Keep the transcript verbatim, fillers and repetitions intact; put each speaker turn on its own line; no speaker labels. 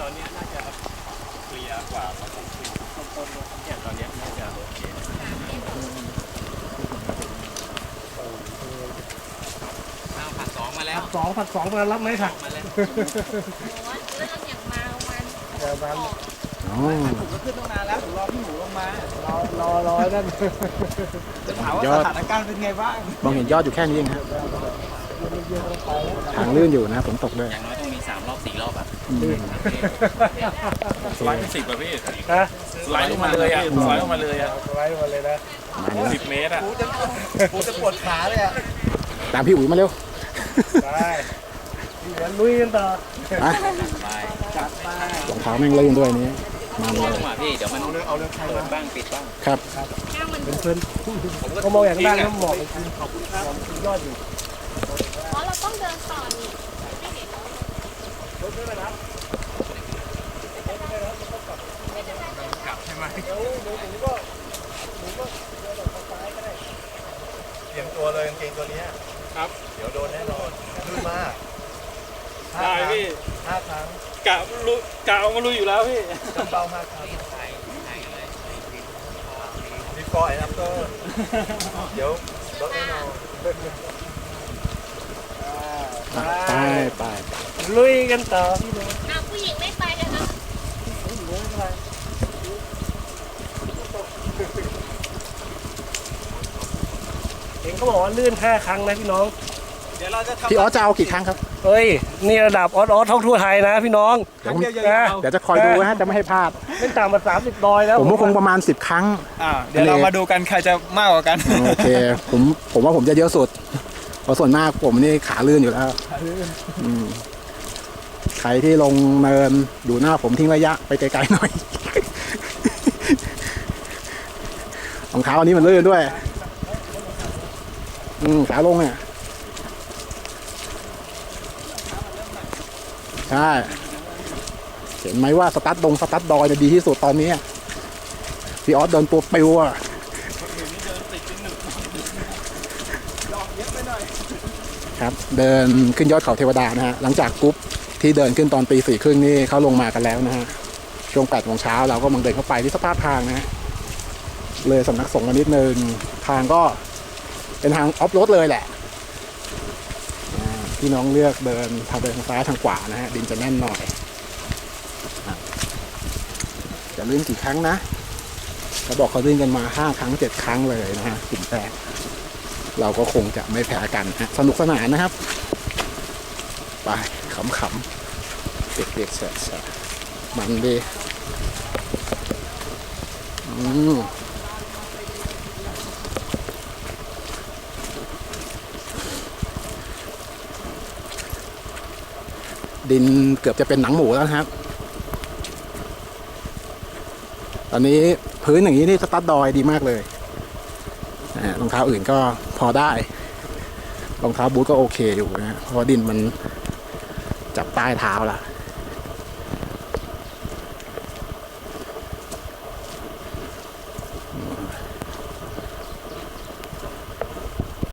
ตอนนี้น่าจะเคลียร์กว่าพอสมควรต้นๆเนี่ยตอนนี้น่าจะโอเคข้าวผัดสองมาแล้ว
สองผัดสองมารับไหมค่ะ
มาแล้ว
โอ้เริ่มอย่างมาวัน
เดี๋ยวนั้น
ผมก็ขึ้นตั้งนานแล้วผมรอพี่หมูลงมาร
อรอรอนั่น
จะถามว่าสถานการณ์เป็นไงบ้าง
มองเห็นยอดอยู่แค่นี้เองครับทางลื่นอยู่นะฝนตกด้วย
อย่างน้อยต้องมีสามรอบสี่รอบอ่ะสไลด์เป็นสิบอ่ะพี่สไลด์ลงมาเลยอ่ะสไลด์ลงมาเลยอ่ะ
สไลด์ลงมาเลยนะ
สิบเมตรอ่ะกูจะปวดขาเลยอ่ะ
ตามพี่อุ๋ยมาเร็ว
ได้เดี๋ยวลุยกันต่อ
ไปจัดไป
รองเท้าแม่งลื่นด้วยนี้มาเลย
พี่เดี๋ยวมันเอาเรื่องใครบ้างปิดบ้าง
ครับ
เป็นเพื่อนก็มองอย่างด้านน้ำหมอกจริงขอบคุณครับยอดอยู่
เพราะเราต้องเดินต่อนี่ไม่เห็น
รถไม่ไปรับ
กลับใช่ไหม
เดี๋ยวหนูหนูก็หนูก็เดินออกทางซ้ายก็ได้
เตรียมตัวเลยกางเกงตัวนี้ครับเดี๋ยวโดนแน่นอนลื่นมาก
ได้พี่
ห้าครั้ง
กะลุกะเอามาลุยอยู่แล้วพี่
จำเบาห้าครั้งบีฟอร์แอนด์อัฟเตอร์เดี๋ยวรถแน่นอน
ไปไป
ลุยกันต่อพี่น้อง
อ้าวผู้หญิงไม่ไปกันนะ
ผู้หญิงไม่ไปเองเขาบอกว่าลื่นห้าครั้งนะพี่น้อง
เดี๋ยวเราจะทำ
พี่ออสจะเอากี่ครั้งครับ
เฮ้ยนี่ระดับออสออสท่องทั่วไทยนะพี่น้อง
เดี๋ยวเดี๋ยวจะคอยดูนะจะไม่ให้พลาด
ไม่ต่ำกว่าสามสิบดอยแล้ว
ผมว่าคงประมาณสิบครั้ง
อ่าเดี๋ยวเรามาดูกันใครจะมากกว่ากัน
โอเคผมผมว่าผมจะเยอะสุดเพราะส่วนมากผมนี่ขาลื่นอยู่แล้วใครที่ลงเนินดูหน้าผมทิ้งระยะไปไกลๆหน่อยรองเท้าอันนี้มันลื่นด้วยอืมขาลงเนี่ยใช่เห็นไหมว่าสตาร์ทดงสตาร์ทดอยจะดีที่สุดตอนนี้พี่ออสเดินตัวปิวอ่ะครับเดินขึ้นยอดเขาเทวดานะฮะหลังจากกรุ๊ปที่เดินขึ้นตอนตีสี่ครึ่งนี่เขาลงมากันแล้วนะฮะช่วงแปดโมงเช้าเราก็มังเดินเข้าไปที่สภาพทางนะฮะเลยสำนักสงฆ์กันนิดนึงทางก็เป็นทางออฟโรดเลยแหละพี่น้องเลือกเดินทางเดินทางซ้ายทางขวานะฮะดินจะแน่นหน่อยจะลื่นกี่ครั้งนะเขาบอกเขาลื่นกันมาห้าครั้งเจ็ดครั้งเลยนะฮะกลุ่มแรกเราก็คงจะไม่แพ้กันฮะสนุกสนานนะครับไปขำๆเด็กๆแสบๆมันดีอืมดินเกือบจะเป็นหนังหมูแล้วนะครับตอนนี้พื้นอย่างนี้นี่สตาร์ทดอยดีมากเลยรองเท้าอื่นก็พอได้รองเท้าบูทก็โอเคอยู่นะเพราะดินมันจับใต้เท้าละ